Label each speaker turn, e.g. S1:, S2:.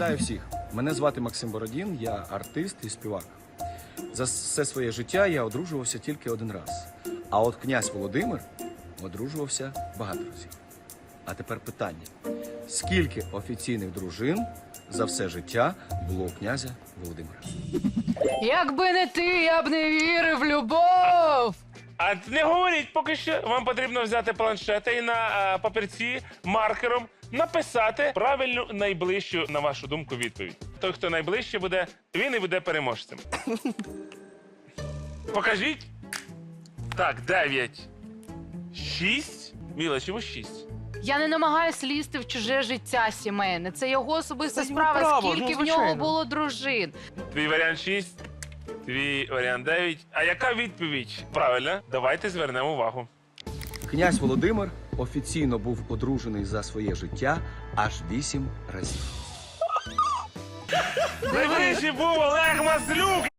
S1: Вітаю всіх! Мене звати Максим Бородін, я артист і співак. За все своє життя я одружувався тільки один раз. А от князь Володимир одружувався багато разів. А тепер питання. Скільки офіційних дружин за все життя було у князя Володимира?
S2: Якби не ти, я б не вірив в любов.
S3: А не говоріть поки що. Вам потрібно взяти планшета і на папірці маркером написати правильну найближчу, на вашу думку, відповідь. Той, хто найближче буде, він і буде переможцем. Покажіть. Так, 9. 6. Міла, чому 6?
S2: Я не намагаюсь лізти в чуже життя сімейне. Це його особиста
S4: Це його
S2: справа,
S4: право,
S2: скільки
S4: ну,
S2: в нього
S4: звичайно.
S2: було дружин.
S3: Твій варіант 6, твій варіант 9. А яка відповідь? Правильно, давайте звернемо увагу.
S1: Князь Володимир офіційно був одружений за своє життя аж 8 разів.
S3: Найближчий був Олег Маслюк!